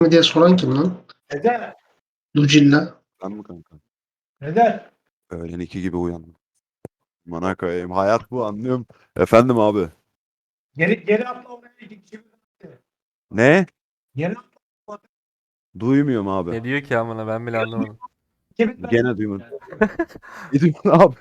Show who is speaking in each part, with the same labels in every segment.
Speaker 1: mi diye soran kim lan?
Speaker 2: Neden?
Speaker 1: Lucilla.
Speaker 3: Ben mi kanka?
Speaker 2: Neden?
Speaker 3: Öğlen 2 gibi uyandım. Bana koyayım. Hayat bu, anlıyorum. Efendim abi.
Speaker 2: Geri atla oraya git.
Speaker 3: Ne?
Speaker 2: Geri atla.
Speaker 3: Duymuyorum abi.
Speaker 4: Ne diyor ki amına ben bile anlamadım.
Speaker 3: Gene duymadım. Ne diyorsun abi?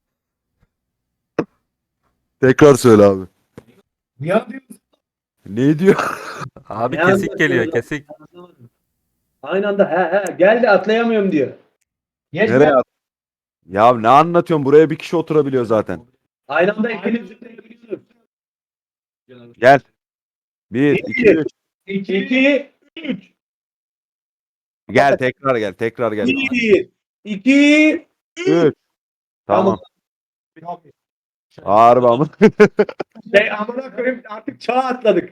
Speaker 3: Tekrar söyle abi.
Speaker 2: Ya diyorsun.
Speaker 3: Ne diyor?
Speaker 4: Abi
Speaker 5: Ne
Speaker 4: kesik
Speaker 5: anlatıyorsun
Speaker 4: geliyor
Speaker 5: lan?
Speaker 4: kesik.
Speaker 5: Aynı anda he geldi atlayamıyorum diyor.
Speaker 2: Geç
Speaker 3: Nereye
Speaker 2: ben.
Speaker 3: at? Ya ne anlatıyorsun? Buraya bir kişi oturabiliyor zaten.
Speaker 5: Aynı anda ikiniz zıplayabiliyorsunuz.
Speaker 3: Gel. 1, 2, 3.
Speaker 5: 2, 3.
Speaker 3: Gel tekrar gel. Tekrar gel.
Speaker 5: 1, 2,
Speaker 3: 3. Tamam.
Speaker 2: Tamam.
Speaker 3: Harbi ama.
Speaker 5: Amına koyayım artık çağa atladık.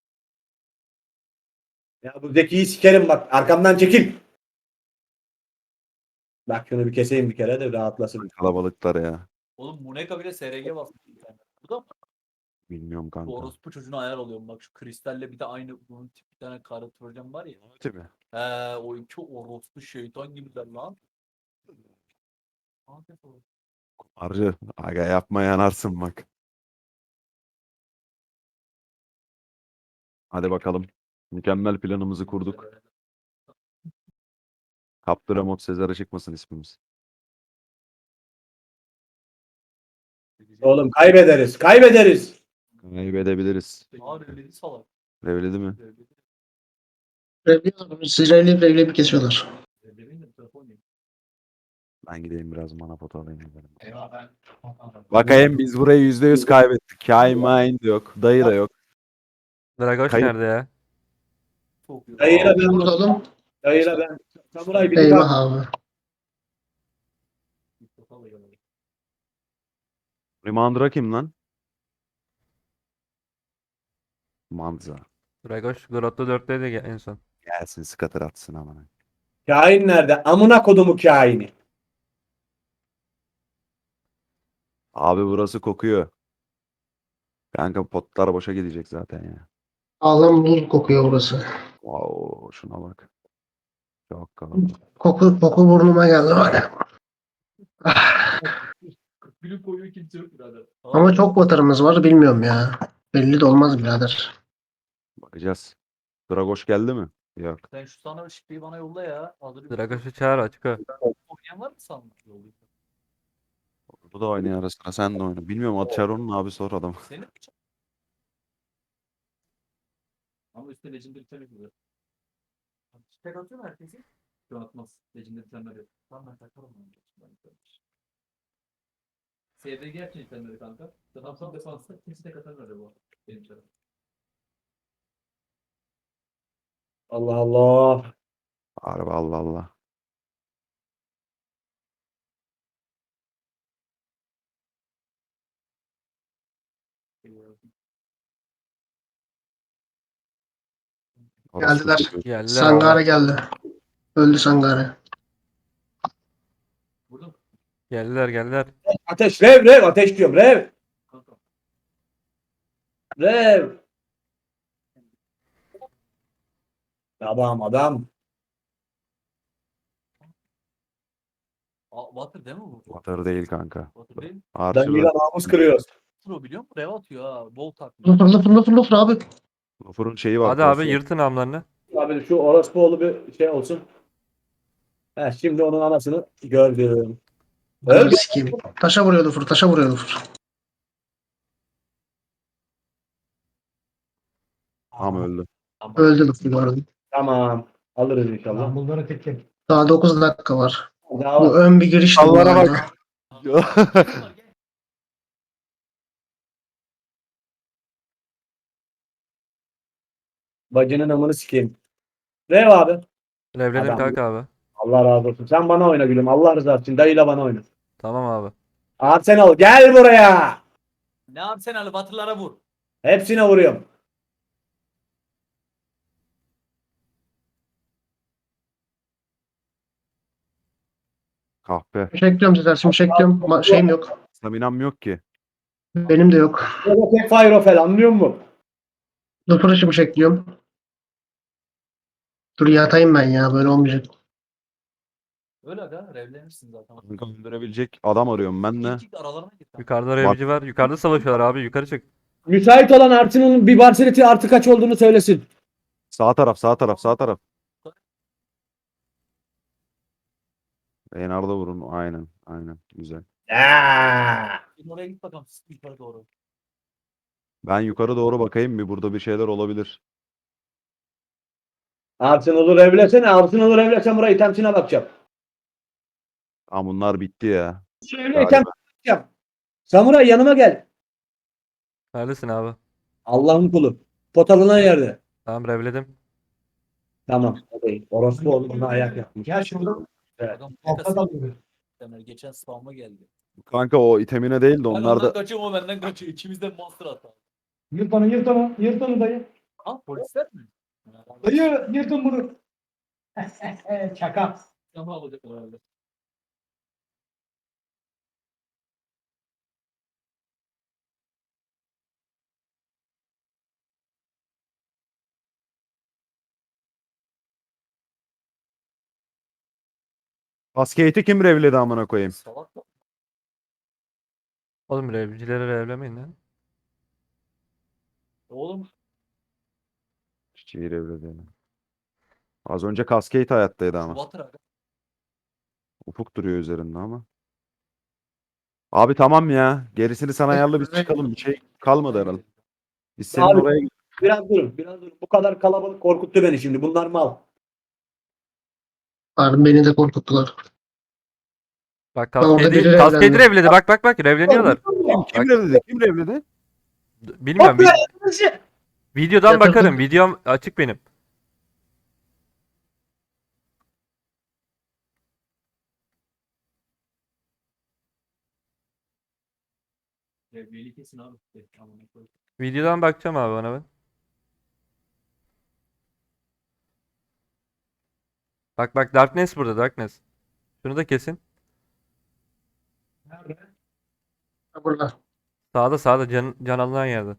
Speaker 5: Ya bu Zeki'yi sikerim bak arkamdan çekil. Bak şunu bir keseyim bir kere de rahatlasın.
Speaker 3: Kalabalıklar ya.
Speaker 6: Oğlum Muneka bile SRG basmış bir tane. Bu da mı?
Speaker 3: Bilmiyorum
Speaker 6: Bu
Speaker 3: kanka.
Speaker 6: orospu çocuğuna ayar oluyorum. Bak şu kristalle bir de aynı bunun tip bir tane karı trojan var ya.
Speaker 3: Değil mi?
Speaker 6: O iki orospu şeytan gibiler lan.
Speaker 3: Arı. Aga yapma, yanarsın bak. Hadi bakalım. Mükemmel planımızı kurduk. Kaptıramot Sezar'a çıkmasın ismimiz.
Speaker 5: Oğlum kaybederiz. Kaybederiz.
Speaker 3: Kaybedebiliriz.
Speaker 6: Aa revledi salak.
Speaker 3: Revledi mi?
Speaker 1: Revliyorlar. Revli kesiyorlar.
Speaker 6: Revlemeyin de bu tarafa oynayayım.
Speaker 3: Ben gideyim biraz mana foto alayım.
Speaker 2: Eyvah ben.
Speaker 3: Bakayım, biz burayı %100 kaybettik. Kai Mind yok. Dayı da yok.
Speaker 4: Dragoş
Speaker 3: Kayıp.
Speaker 4: nerede ya?
Speaker 6: Çok iyi.
Speaker 5: Dayıyla ben.
Speaker 1: Burada oğlum.
Speaker 5: Dayıyla ben. Samuray biri
Speaker 1: Eyvah
Speaker 5: bak.
Speaker 1: abi.
Speaker 3: Remandra kim lan? Manza.
Speaker 4: Dragoş Grotto 4'teydi en son.
Speaker 3: Gelsin scatter atsın aman.
Speaker 5: Kain nerede? Amına kodumu kaini.
Speaker 3: Abi burası kokuyor. Kanka potlar boşa gidecek zaten ya.
Speaker 1: Ağlam buz kokuyor burası.
Speaker 3: Wow, şuna bak. Çok kalabalık.
Speaker 1: Koku burnuma geldi bak. Ah,
Speaker 6: Gülü koyuyor kimse yok birader.
Speaker 1: ama çok batarımız var bilmiyorum ya. Belli de olmaz birader.
Speaker 3: Bakacağız. Dragoş geldi mi? Yok.
Speaker 6: Sen şu sana şifreyi bana yolla ya. Hazır bir
Speaker 4: Dragoş'u çağır açık o.
Speaker 6: oynayan var mı sandın? Yollayayım.
Speaker 3: Bu da oynuyor ara sıra, sen de oyna. Bilmiyorum, Atşaron'un abi, sor adam.
Speaker 6: Senin mi? Ama üstte Legendary Tene gibi. Tek atıyor mu herkesi? Şu atmaz. Legendary Tene'ler yok. Tamam ben takarım onu. SDG yapacak itemleri kanka. Zaten defansta kimse tek atamıyor öyle bu. Benim tarafım.
Speaker 5: Allah Allah.
Speaker 3: Harbi Allah Allah. Orası
Speaker 1: Geldiler.
Speaker 3: kokuyor.
Speaker 4: Geldiler
Speaker 1: Sangare
Speaker 4: abi.
Speaker 1: geldi. Öldü Sangare.
Speaker 6: Burada mı?
Speaker 4: Geldiler.
Speaker 5: Ateş rev ateş diyorum rev.
Speaker 6: Kanka.
Speaker 5: Rev. Adam.
Speaker 6: Water değil mi bu?
Speaker 3: Water değil kanka.
Speaker 6: Water değil mi?
Speaker 3: Archer
Speaker 5: Dayıyla namus kırıyoruz.
Speaker 6: Pro biliyor musun? Rev atıyor ha. Bolt atmıyor.
Speaker 1: Fırla abi.
Speaker 3: Water'ın şeyi var.
Speaker 4: Hadi abi
Speaker 3: cross'u.
Speaker 4: yırtın amlarını.
Speaker 5: Abi şu orospuoğlu bir şey olsun. He, şimdi onun anasını gördüm.
Speaker 1: Öldü
Speaker 5: Öldü.
Speaker 1: sikeyim. Taşa vuruyordu fır.
Speaker 3: Tam öldü.
Speaker 1: Öldü Luffy gördüm.
Speaker 5: Tamam. Alırız inşallah.
Speaker 2: Ben bunları tekim.
Speaker 1: Daha 9 dakika var.
Speaker 5: Daha
Speaker 1: Bu ön bir girişti bu
Speaker 3: Allah'ına
Speaker 1: galiba.
Speaker 5: bacının amını sikeyim. Rev abi.
Speaker 4: Revledim
Speaker 5: Adam.
Speaker 4: kanka abi.
Speaker 5: Allah razı olsun. Sen bana oyna gülüm. Allah rızası için. Dayıyla bana oyna.
Speaker 4: Tamam abi.
Speaker 5: Arsenal gel buraya.
Speaker 6: Ne yapayım sen Ali Batırlara vur.
Speaker 5: Hepsine vuruyorum.
Speaker 3: Kahpe.
Speaker 1: Şimşekliyorum Sezer. Şimşekliyorum. Şeyim yok.
Speaker 3: Staminam yok ki.
Speaker 1: Benim de yok.
Speaker 5: Tek Fire anlıyor musun?
Speaker 1: Lufur'u şimşekliyorum. Dur yatayım ben ya böyle olmayacak.
Speaker 6: Öyle aga revlenirsin zaten.
Speaker 3: Kanka öldürebilecek adam arıyorum ben de.
Speaker 6: İlk aralarına git. kanka.
Speaker 4: Yukarıda revci var. Yukarıda savaşıyorlar abi. Yukarı çık.
Speaker 5: Müsait olan Artin'in bir Barseleti artı kaç olduğunu söylesin.
Speaker 3: Sağ taraf, sağ taraf, sağ taraf. Enarda vurun. Aynen, aynen. Güzel.
Speaker 6: Oraya git bakalım yukarı doğru.
Speaker 3: Ben yukarı doğru bakayım bir burada bir şeyler olabilir.
Speaker 5: Artin olur evlesene. Artin olur evlesen burayı temsine bakacağım.
Speaker 3: Ama bunlar bitti ya.
Speaker 5: Evliyken bakacağım. Samuray yanıma gel.
Speaker 4: Neredesin abi?
Speaker 5: Allah'ın kulu. Potalına yerde.
Speaker 4: Tamam revledim.
Speaker 5: Tamam. Hadi. Orospu oğlum ona ayak yapmış.
Speaker 2: Gel şurada.
Speaker 5: Evet.
Speaker 6: Adam
Speaker 2: Altta da duruyor.
Speaker 6: geçen spam'a geldi.
Speaker 3: Kanka o itemine değil de
Speaker 6: Ben
Speaker 3: onlar
Speaker 6: ondan
Speaker 3: da
Speaker 6: kaçıyorum o benden kaçıyor. İkimizden monster hata.
Speaker 2: Yırt onu yırt onu. Yırt onu dayı.
Speaker 6: Ha polisler mi?
Speaker 2: Dayı yırtın bunu. Çaka.
Speaker 6: Ama alacak herhalde.
Speaker 3: Cascade'i kim revledi amına koyayım?
Speaker 6: Salak mı?
Speaker 4: Oğlum revcileri revlemeyin lan.
Speaker 6: Oğlum
Speaker 3: Çiçeği revledi. Yani. Az önce Cascade hayattaydı ama.
Speaker 6: Water aga.
Speaker 3: Ufuk duruyor üzerinde ama. Abi tamam ya. Gerisini sana ayarla biz çıkalım. Bir şey kalmadı herhalde. Biz senin
Speaker 5: Abi-
Speaker 3: oraya
Speaker 5: Biraz durun. Biraz durun. Bu kadar kalabalık korkuttu beni şimdi. Bunlar mal.
Speaker 1: Harbi beni de korkuttular.
Speaker 4: Bak
Speaker 1: orada biri
Speaker 4: Cascade'i
Speaker 1: revlendi.
Speaker 4: revledi. Bak revleniyorlar.
Speaker 3: kim revledi? Kim revledi?
Speaker 4: Bilmiyorum. Videodan bakarım. Videom açık benim.
Speaker 6: Revliyeli kesin abi. Amına koyayım.
Speaker 4: Videodan bakacağım abi ona ben. Bak Darkness burada Darkness. Şunu da kesin.
Speaker 2: Nerede?
Speaker 1: Ha, burada.
Speaker 4: Sağda can alınan yerde.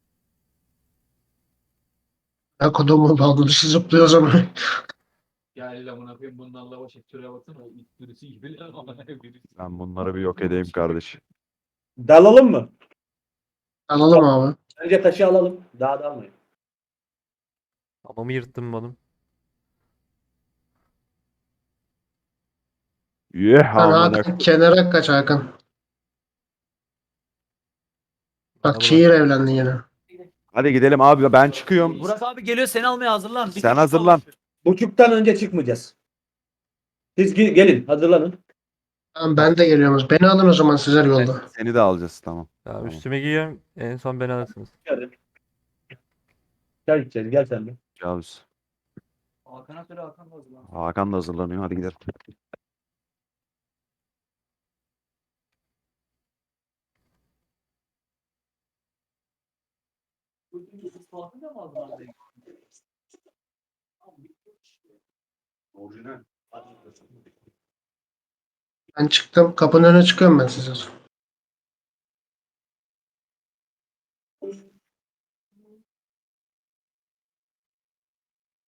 Speaker 1: Ya kodumu bağladışı zıplıyor o zaman.
Speaker 6: Gel amına koyayım bunlarla baş et. Şuraya baksana. O ilk birisi gibi lan amına koyayım.
Speaker 3: Ben bunları bir yok edeyim kardeş.
Speaker 5: Dalalım mı?
Speaker 1: Alalım abi.
Speaker 5: Önce taşı alalım. Daha dalmayın.
Speaker 4: Amamı yırttım oğlum.
Speaker 3: Yeh
Speaker 1: Sen
Speaker 3: amına.
Speaker 1: Hakan kenara kaç Hakan.
Speaker 4: Bana
Speaker 1: Bak şiir evlendi yine.
Speaker 3: Hadi gidelim abi ben çıkıyorum.
Speaker 6: Burak abi geliyor seni almaya hazırlan. Bir
Speaker 3: Sen
Speaker 6: kişi
Speaker 3: hazırlan.
Speaker 6: kalmış.
Speaker 5: Buçuktan önce çıkmayacağız. Siz gelin. Hazırlanın.
Speaker 1: Tamam ben de geliyorum. Beni alın o zaman sizler yolda.
Speaker 3: Seni de alacağız tamam.
Speaker 4: Ya
Speaker 3: Tamam.
Speaker 4: üstüme giyiyorum. En son beni alırsınız.
Speaker 5: Hadi. Gel gideceğiz. Gel sen de.
Speaker 3: Cavuz.
Speaker 6: Hakan'a söyle Hakan da hazırlan.
Speaker 3: Hakan da hazırlanıyor. Hadi gidelim.
Speaker 6: Ispatı da mı hazırlandı?
Speaker 3: Orijinal.
Speaker 1: Ben çıktım. Kapının önüne çıkıyorum ben size.